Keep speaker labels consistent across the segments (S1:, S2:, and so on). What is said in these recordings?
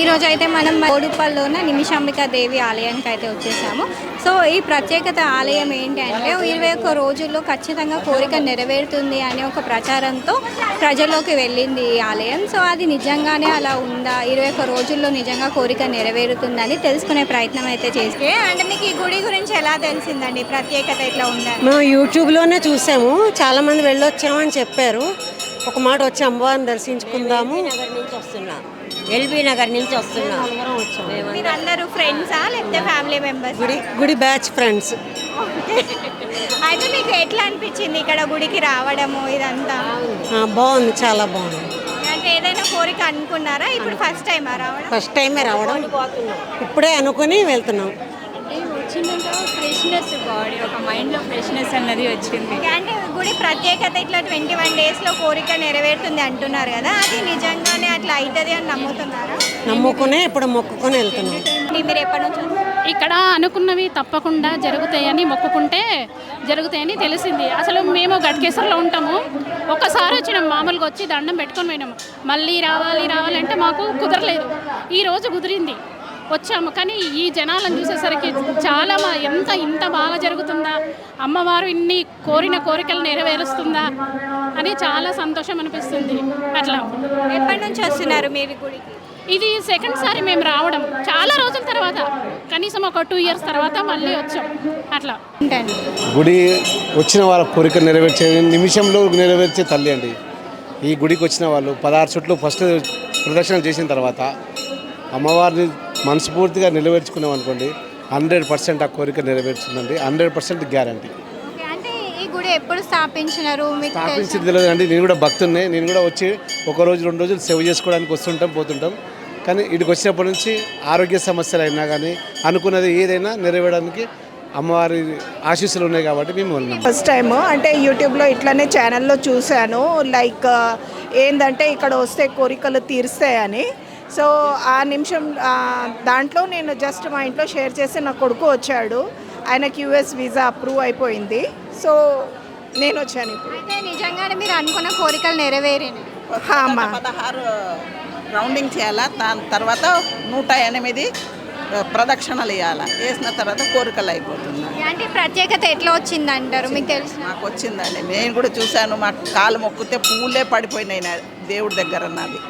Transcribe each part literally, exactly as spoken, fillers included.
S1: ఈరోజు అయితే మనం బోడుపల్లో ఉన్న నిమిషాంబికా దేవి ఆలయానికి అయితే వచ్చేసాము. సో ఈ ప్రత్యేకత ఆలయం ఏంటి అంటే ఇరవై ఒక్క రోజుల్లో ఖచ్చితంగా కోరిక నెరవేరుతుంది అనే ఒక ప్రచారంతో ప్రజల్లోకి వెళ్ళింది ఈ ఆలయం. సో అది నిజంగానే అలా ఉందా, ఇరవై ఒక్క రోజుల్లో నిజంగా కోరిక నెరవేరుతుందని తెలుసుకునే ప్రయత్నం అయితే చేస్తే. అంటే మీకు ఈ గుడి గురించి ఎలా తెలిసిందండి, ప్రత్యేకత ఇట్లా ఉందని?
S2: మేము యూట్యూబ్లోనే చూసాము, చాలామంది వెళ్ళొచ్చామని చెప్పారు. ఒక మాట వచ్చి అమ్మవారిని దర్శించుకుందాము.
S3: నగర్ నుంచి వస్తున్నాం, ఎల్బీ నగర్ నుంచి వస్తున్నాం.
S1: మీరు అందరూ ఫ్రెండ్సా లేకపోతే ఫ్యామిలీ మెంబర్స్?
S2: గుడి గుడి బ్యాచ్ ఫ్రెండ్స్.
S1: అయితే మీకు ఎట్లా అనిపించింది ఇక్కడ గుడికి రావడము ఇదంతా?
S2: బాగుంది, చాలా బాగుంది.
S1: అంటే ఏదైనా కోరిక అనుకున్నారా? ఇప్పుడు ఫస్ట్ టైం రావడం?
S2: ఫస్ట్ టైమే రావడం, ఇప్పుడే అనుకుని వెళ్తున్నాం.
S4: వచ్చిందంటే ఫ్రెష్నెస్, బాడీ ఒక మైండ్లో ఫ్రెష్నెస్ అన్నది వచ్చింది.
S1: అంటే గుడి ప్రత్యేకత ఇట్లా ట్వంటీ వన్ డేస్లో కోరిక నెరవేరుతుంది అంటున్నారు కదా, అది నిజంగానే అట్లా అవుతుంది అని నమ్ముతున్నారా?
S2: నమ్ముకునే ఇప్పుడు మొక్కుకొని వెళ్తున్నాం.
S1: మీరు ఎప్పటి నుంచి?
S4: ఇక్కడ అనుకున్నవి తప్పకుండా జరుగుతాయని మొక్కుకుంటే జరుగుతాయని తెలిసింది. అసలు మేము గట్కేశ్వర్లో ఉంటాము, ఒక్కసారి వచ్చినాం, మామూలుగా వచ్చి దండం పెట్టుకొని పోయినాము. మళ్ళీ రావాలి రావాలంటే మాకు కుదరలేదు. ఈరోజు కుదిరింది, వచ్చాము. కానీ ఈ జనాలను చూసేసరికి చాలా మా ఎంత ఇంత బాగా జరుగుతుందా, అమ్మవారు ఇన్ని కోరిన కోరికలు నెరవేరుస్తుందా అని చాలా సంతోషం అనిపిస్తుంది. అట్లా
S1: ఎప్పటి నుంచి వస్తున్నారు మీరు గుడికి?
S4: ఇది సెకండ్ సారి మేము రావడం, చాలా రోజుల తర్వాత, కనీసం ఒక టూ ఇయర్స్ తర్వాత మళ్ళీ వచ్చాం. అట్లా
S5: గుడి వచ్చిన వాళ్ళ కోరిక నెరవేర్చే నిమిషంలో నెరవేర్చే తల్లి అండి. ఈ గుడికి వచ్చిన వాళ్ళు పదహారు చుట్లు ఫస్ట్ ప్రదక్షిణ చేసిన తర్వాత అమ్మవారిని మనస్ఫూర్తిగా నెరవేర్చుకున్నాం అనుకోండి, హండ్రెడ్ పర్సెంట్ ఆ కోరిక నెరవేర్చుందండి, హండ్రెడ్ పర్సెంట్ గ్యారంటీ.
S1: అంటే ఈ గుడి ఎప్పుడు స్థాపించినారు?
S5: స్థాపించింది తెలియదు అండి, నేను కూడా భక్తున్నే. నేను కూడా వచ్చి ఒక రోజు రెండు రోజులు సేవ చేసుకోవడానికి వస్తుంటాం పోతుంటాం. కానీ ఇక్కడికి వచ్చినప్పటి నుంచి ఆరోగ్య సమస్యలు అయినా కానీ అనుకున్నది ఏదైనా నెరవేరడానికి అమ్మవారి ఆశీస్సులు ఉన్నాయి కాబట్టి మేము ఉన్నాం.
S6: ఫస్ట్ టైము అంటే యూట్యూబ్లో ఇట్లనే ఛానల్లో చూశాను, లైక్ ఏంటంటే ఇక్కడ వస్తే కోరికలు తీరుస్తాయని. సో ఆ నిమిషం దాంట్లో నేను జస్ట్ మా ఇంట్లో షేర్ చేసి నా కొడుకు వచ్చాడు, ఆయనకి యూఎస్ వీసా అప్రూవ్ అయిపోయింది. సో నేను వచ్చాను ఇప్పుడు.
S1: అయితే నిజంగానే మీరు అనుకున్న కోరికలు నెరవేరినాయి?
S7: పదహారు రౌండింగ్ చేయాలా, దాని తర్వాత నూట ఎనిమిది ప్రదక్షిణలు వేయాలా, వేసిన తర్వాత కోరికలు అయిపోతుంది.
S1: అంటే ప్రత్యేకత ఎట్లా వచ్చింది అంటారు, మీకు తెలుసు?
S7: నాకు వచ్చిందండి, నేను కూడా చూశాను. మా కాలు మొక్కితే పూలే పడిపోయినాయి నా దేవుడి దగ్గర. నాది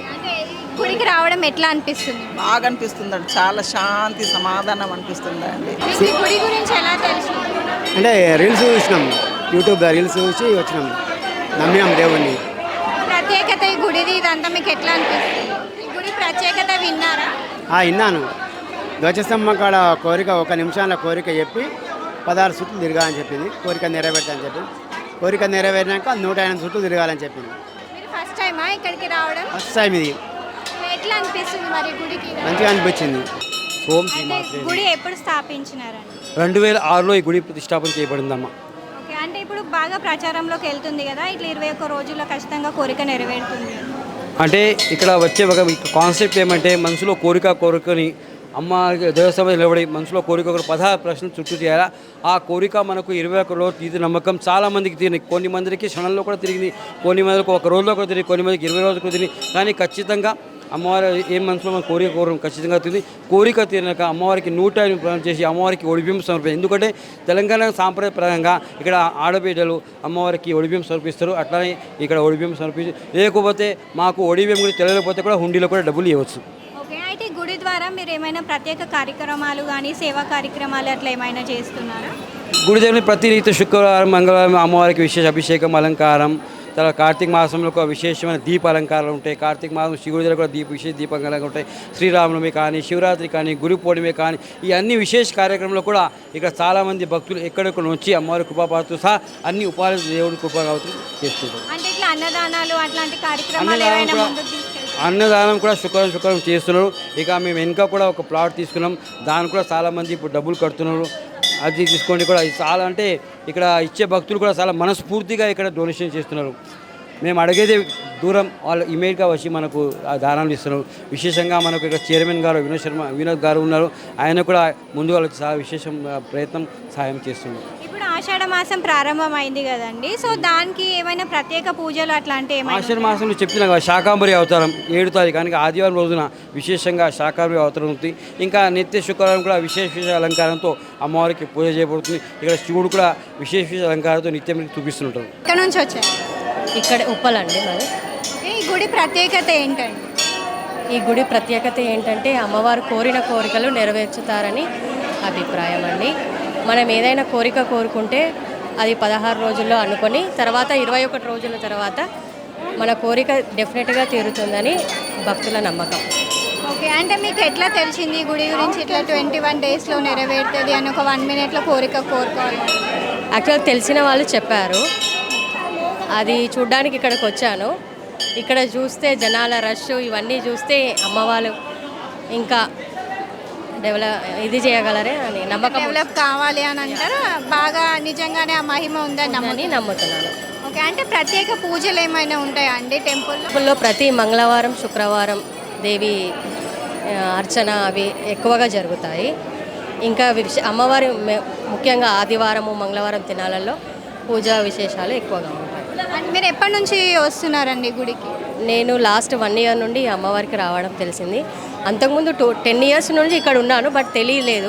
S1: గుడికి రావడం ఎట్లా అనిపిస్తుంది?
S7: బాగా అనిపిస్తుందండి, చాలా శాంతి సమాధానం అనిపిస్తుందండి.
S1: గుడి గురించి ఎలా తెలుసు?
S8: అంటే రీల్స్ చూసినాం, యూట్యూబ్ రీల్స్ చూసి వచ్చినాం, నమ్మినాం దేవుణ్ణి.
S1: ప్రత్యేకత ఈ గుడిది ఇదంతా మీకు ఎట్లా అనిపిస్తుంది? ఈ గుడి ప్రత్యేకత విన్నారా?
S8: విన్నాను. ధ్వజస్తంభం కాడ కోరిక ఒక నిమిషాల కోరిక చెప్పి పదహారు చుట్లు తిరగాలని చెప్పింది, కోరిక నెరవేర్తా అని చెప్పింది. కోరిక నెరవేరినాక నూట ఎనిమిది చుట్లు తిరగాలని చెప్పింది.
S1: మీరు ఫస్ట్ టైమా ఇక్కడికి రావడం?
S8: ఫస్ట్ టైం ఇది.
S1: ఎట్లా అనిపిస్తుంది మరి గుడికి?
S8: మంచిగా అనిపించింది.
S9: ఓం
S1: గుడి ఎప్పుడు స్థాపించినారండి?
S9: రెండు వేల ఆరులో ఈ గుడి ప్రతిష్టాపన చేయబడిందమ్మా.
S1: ఓకే, అంటే ఇప్పుడు బాగా ప్రచారంలోకి వెళ్తుంది కదా, ఇట్లా ఇరవై ఒక్క రోజుల్లో ఖచ్చితంగా కోరిక నెరవేరుతుంది
S9: అంటే ఇక్కడ వచ్చే ఒక కాన్సెప్ట్ ఏమంటే మనసులో కోరిక కోరికని అమ్మ దేవస్థానం నిలబడి మనసులో కోరిక ఒక పదహారు ప్రశ్నలు చుట్టూ చేయాలా. ఆ కోరిక మనకు ఇరవై ఒక్క రోజు తీరి నమ్మకం చాలా మందికి తిరిగి, కొన్ని మందికి క్షణంలో కూడా తిరిగింది, కొన్ని మందికి ఒక రోజులో కూడా తిరిగి, కొన్ని మందికి ఇరవై రోజులకు తిరిగి. కానీ ఖచ్చితంగా అమ్మవారి ఏం మనసులో మన కోరిక కోరిక ఖచ్చితంగా తిరిగి, కోరిక తీరినాక అమ్మవారికి నూట ప్రయాణం చేసి అమ్మవారికి ఒడిబియ్యం సమర్పించారు. ఎందుకంటే తెలంగాణ సాంప్రదాయపరంగా ఇక్కడ ఆడబిడ్డలు అమ్మవారికి ఒడిబియ్యం సమర్పిస్తారు. అట్లానే ఇక్కడ ఒడిబియ్యం సమర్పించి, లేకపోతే మాకు ఒడిబియ్యం కూడా తెలియకపోతే కూడా హుండీలో కూడా డబ్బులు ఇవ్వచ్చు.
S1: ఓకే, అయితే గుడి ద్వారా మీరు ఏమైనా ప్రత్యేక కార్యక్రమాలు కానీ సేవా కార్యక్రమాలు అట్లా ఏమైనా చేస్తున్నారా?
S9: గుడిదేవుని ప్రతి రీతి శుక్రవారం మంగళవారం అమ్మవారికి విశేష అభిషేకం అలంకారం, తర్వాత కార్తీక మాసంలో ఒక విశేషమైన దీప అలంకారాలు ఉంటాయి. కార్తీక మాసం శివుడి దగ్గర కూడా దీప విశేష దీపాలంకారాలు ఉంటాయి. శ్రీరామనవమి కానీ, శివరాత్రి కానీ, గురు పౌర్ణమి కానీ, ఈ అన్ని విశేష కార్యక్రమంలో కూడా ఇక్కడ చాలామంది భక్తులు ఎక్కడెక్కడ వచ్చి అమ్మవారి కృపాపాత్రతో సహా అన్ని ఉపాధి దేవుడి కృపా చేస్తుంటారు.
S1: అంటే ఇట్లా అన్నదానాలు అట్లాంటి కార్యక్రమాలు ఏమైనా ముందుకు తీసుకెళ్తారా?
S9: అన్నదానం కూడా శుక్రవారం శుక్రవారం చేస్తున్నారు. ఇక మేము వెనుక కూడా ఒక ప్లాట్ తీసుకున్నాం, దానికి కూడా చాలామంది ఇప్పుడు డబ్బులు కడుతున్నారు. అది తీసుకోండి కూడా చాలా, అంటే ఇక్కడ ఇచ్చే భక్తులు కూడా చాలా మనస్ఫూర్తిగా ఇక్కడ డొనేషన్ చేస్తున్నారు. మేము అడిగేది దూరం, వాళ్ళు ఇమీడియట్గా వచ్చి మనకు ఆ దానాలు ఇస్తున్నారు. విశేషంగా మనకు ఇక్కడ చైర్మన్ గారు వినోద్ శర్మ వినోద్ గారు ఉన్నారు, ఆయన కూడా ముందుగా వచ్చి చాలా విశేషం ప్రయత్నం సహాయం చేస్తున్నారు.
S1: ఇప్పుడు ఆషాఢ మాసం ప్రారంభమైంది కదండి, సో దానికి ఏమైనా ప్రత్యేక పూజలు అట్లాంటి ఏమైనా
S9: ఆషాఢ మాసంలో చెప్తున్నా కదా శాకాంబరి అవతారం ఏడు తారీఖు కనుక ఆదివారం రోజున విశేషంగా శాకాంబరి అవతారం ఉంది. ఇంకా నిత్య శుక్రవారం కూడా విశేష విశేష అలంకారంతో అమ్మవారికి పూజ చేయబడుతుంది. ఇక్కడ శివుడు కూడా విశేష విశేష అలంకారంతో నిత్యం చూపిస్తుంటారు.
S1: ఇక్కడ నుంచి వచ్చారు?
S10: ఇక్కడ ఉప్పలండి మరి.
S1: ఈ గుడి ప్రత్యేకత ఏంటండి?
S10: ఈ గుడి ప్రత్యేకత ఏంటంటే అమ్మవారు కోరిన కోరికలు నెరవేర్చుతారని అభిప్రాయం అండి. మనం ఏదైనా కోరిక కోరుకుంటే అది పదహారు రోజుల్లో అనుకొని తర్వాత ఇరవై ఒకటి రోజుల తర్వాత మన కోరిక డెఫినెట్గా తీరుతుందని భక్తుల నమ్మకం.
S1: ఓకే, అంటే మీకు ఎట్లా తెలిసింది ఈ గుడి గురించి ఇట్లా ట్వంటీ వన్ డేస్లో నెరవేరుతుంది అని ఒక వన్ మినిట్లో కోరిక కోరుకోవాలి?
S10: యాక్చువల్ తెలిసిన వాళ్ళు చెప్పారు, అది చూడ్డానికి ఇక్కడికి వచ్చాను. ఇక్కడ చూస్తే జనాల రష్ ఇవన్నీ చూస్తే అమ్మవారు ఇంకా డెవలప్ ఇది చేయగలరే అని నమ్మకం,
S1: డెవలప్ కావాలి అని అంటారు. బాగా నిజంగానే ఆ మహిమ ఉందని
S10: నమ్మని నమ్ముతున్నాను.
S1: ఓకే, అంటే ప్రత్యేక పూజలు ఏమైనా ఉంటాయా అండి టెంపుల్లో?
S10: టెంపుల్లో ప్రతి మంగళవారం శుక్రవారం దేవి ఆ, అర్చన అవి ఎక్కువగా జరుగుతాయి. ఇంకా విశ- అమ్మవారి మె- ముఖ్యంగా ఆదివారము మంగళవారం దినాలలో పూజా విశేషాలు ఎక్కువగా ఉంటాయి.
S1: అంటే మీరు ఎప్పటి నుంచి వస్తున్నారండి గుడికి?
S10: నేను లాస్ట్ వన్ ఇయర్ నుండి అమ్మవారికి రావడం తెలిసింది. అంతకుముందు టూ టెన్ ఇయర్స్ నుంచి ఇక్కడ ఉన్నాను, బట్ తెలియలేదు.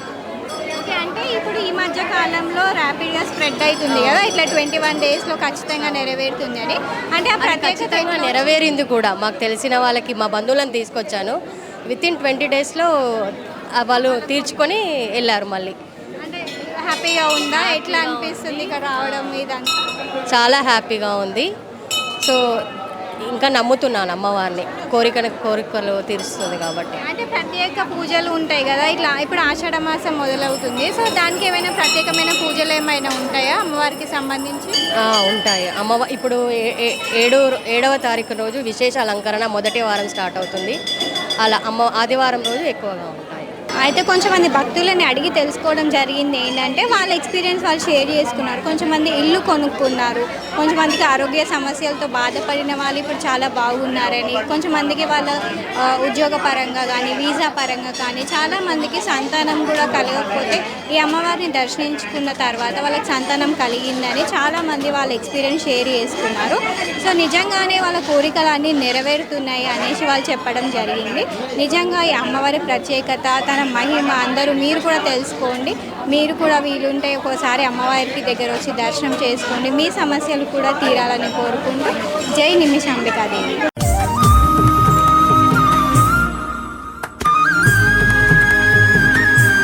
S1: ఓకే, అంటే ఇప్పుడు ఈ మధ్య కాలంలో ర్యాపిడ్గా స్ప్రెడ్ అవుతుంది కదా, ఇట్లా ట్వంటీ వన్ డేస్లో ఖచ్చితంగా నెరవేరుతుంది అని. అంటే ఆ ప్రత్యేకత
S10: ఖచ్చితంగా నెరవేరింది కూడా. మాకు తెలిసిన వాళ్ళకి మా బంధువులను తీసుకొచ్చాను. విత్ ఇన్ ట్వంటీ డేస్లో వాళ్ళు తీర్చుకొని వెళ్ళారు మళ్ళీ.
S1: అంటే హ్యాపీగా ఉందా? ఎట్లా అనిపిస్తుంది ఇక్కడ రావడం ఇదంతా?
S10: చాలా హ్యాపీగా ఉంది. సో ఇంకా నమ్ముతున్నాను అమ్మవారిని, కోరికను కోరికలు తీరుస్తుంది కాబట్టి.
S1: అంటే ప్రత్యేక పూజలు ఉంటాయి కదా, ఇట్లా ఇప్పుడు ఆషాఢ మాసం మొదలవుతుంది, సో దానికి ఏమైనా ప్రత్యేకమైన పూజలు ఏమైనా ఉంటాయా అమ్మవారికి సంబంధించి?
S10: ఆ, ఉంటాయి. అమ్మవ ఇప్పుడు ఏ- ఏ- ఏడు ఏడవ తారీఖు రోజు విశేష అలంకరణ మొదటి వారం స్టార్ట్ అవుతుంది. అలా అమ్మ ఆదివారం రోజు ఎక్కువగా ఉంటాయి.
S1: అయితే కొంచెం మంది భక్తులని అడిగి తెలుసుకోవడం జరిగింది ఏంటంటే వాళ్ళ ఎక్స్పీరియన్స్ వాళ్ళు షేర్ చేసుకున్నారు. కొంచెం మంది ఇల్లు కొనుక్కున్నారు, కొంచెం మందికి ఆరోగ్య సమస్యలతో బాధపడిన వాళ్ళు ఇప్పుడు చాలా బాగున్నారని, కొంచెం మందికి వాళ్ళ ఆ, ఉద్యోగ పరంగా కానీ వీసా పరంగా కానీ చాలా మందికి సంతానం కూడా కలగకపోతే ఈ అమ్మవారిని దర్శించుకున్న తర్వాత వాళ్ళకి సంతానం కలిగిందని చాలా మంది వాళ్ళ ఎక్స్పీరియన్స్ షేర్ చేసుకున్నారు. సో నిజంగానే వాళ్ళ కోరికలు అన్నీ నెరవేరుతున్నాయి అనేసి వాళ్ళు చెప్పడం జరిగింది. నిజంగా ఈ అమ్మవారి ప్రత్యేకత, తన మహిమ అందరూ మీరు కూడా తెలుసుకోండి. మీరు కూడా వీలుంటే ఒకసారి అమ్మవారికి దగ్గర వచ్చి దర్శనం చేసుకోండి. మీ సమస్యలు కూడా తీరాలని కోరుకుంటూ జై నిమిషాంబికాదేవి.